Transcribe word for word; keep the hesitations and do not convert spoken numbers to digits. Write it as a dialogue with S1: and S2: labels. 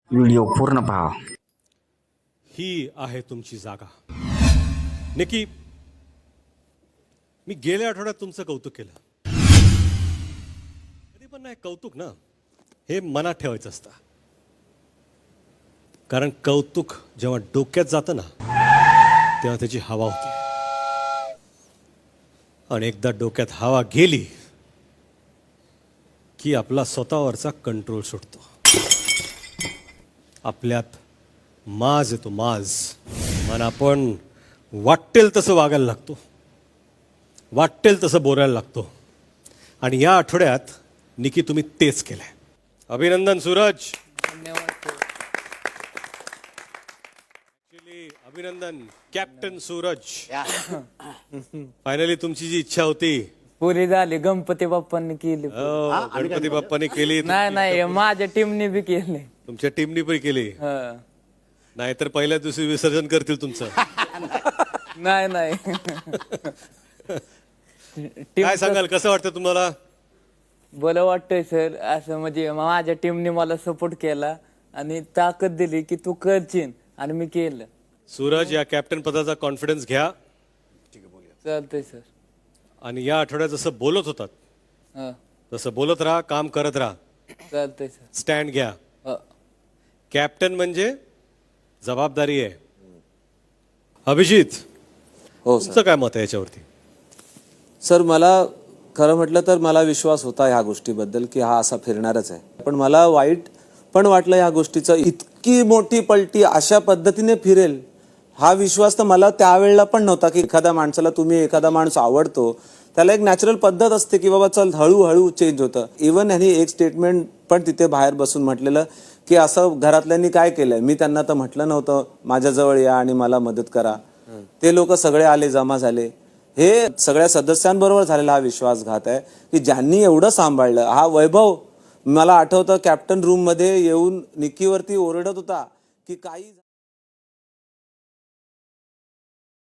S1: Video पूर्ण पहा.
S2: ही आहे तुमची जागा. निकी, मी गेल्या आठवड्यात तुमचं कौतुक केलं. कधी पण नाही कौतुक ना, हे मनात ठेवायचं असतं. कारण कौतुक जेव्हा डोक्यात जातं ना, तेव्हा त्याची हवा होती. आणि एकदा डोक्यात हवा गेली की आपला स्वतःवरचा कंट्रोल सुटतो. आपल्यात माज येतो, माज. मन आपण वाटेल तसं वागायला लागतो, वाटेल तसं बोलायला लागतो. आणि या आठवड्यात निकी तुम्ही तेच केलंय. अभिनंदन सूरज. Actually, अभिनंदन कॅप्टन सूरज. फायनली तुमची जी इच्छा होती
S3: पुरी झाली. गणपती बाप्पांनी केली.
S2: हो, गणपती बाप्पाने केली.
S3: नाही नाही माझ्या टीमने बी केले.
S2: तुमच्या टीमनी पण केली.
S3: हं.
S2: नाहीतर पहिल्या दिवशी विसर्जन करतील तुमचं.
S3: नाही नाही
S2: काय सांगाल, कसं वाटतं तुम्हाला?
S3: बरं वाटतंय सर. असं म्हणजे माझ्या टीमने मला सपोर्ट केला आणि ताकद दिली की तू करशील, आणि मी केलं.
S2: सूरज, या कॅप्टन पदाचा कॉन्फिडन्स घ्या.
S3: चालतंय सर.
S2: आणि या आठवड्यात जसं बोलत होतात
S3: हं.
S2: तसं बोलत राहा, काम करत राहा.
S3: चालतंय सर.
S2: स्टँड घ्या.
S3: हं.
S2: कॅप्टन म्हणजे जबाबदारी आहे. अभिजित,
S4: हो
S2: तुमचं काय मत आहे याच्यावरती?
S4: सर, मला खरं म्हटलं तर मला विश्वास होता ह्या गोष्टीबद्दल की हा असा फिरणारच आहे. पण मला वाईट पण वाटलं ह्या गोष्टीचं. इतकी मोठी पलटी अशा पद्धतीने फिरेल हा विश्वास तर मला त्यावेळेला पण नव्हता. की एखाद्या माणसाला तुम्ही एखादा माणूस आवडतो, त्याला एक नॅचरल पद्धत असते की बाबा चल हळूहळू चेंज होतं. इव्हन ह्यांनी एक स्टेटमेंट पण तिथे बाहेर बसून म्हटलेलं की असं घरातल्यांनी काय केलंय. मी त्यांना तर म्हटलं नव्हतं माझ्याजवळ या आणि मला मदत करा. ते लोक सगळे आले, जमा झाले. हे सगळ्या सदस्यांबरोबर झालेला हा विश्वासघात आहे की ज्यांनी एवढं सांभाळलं. हा वैभव मला आठवतं कॅप्टन रूम मध्ये येऊन निकीवरती ओरडत होता की काही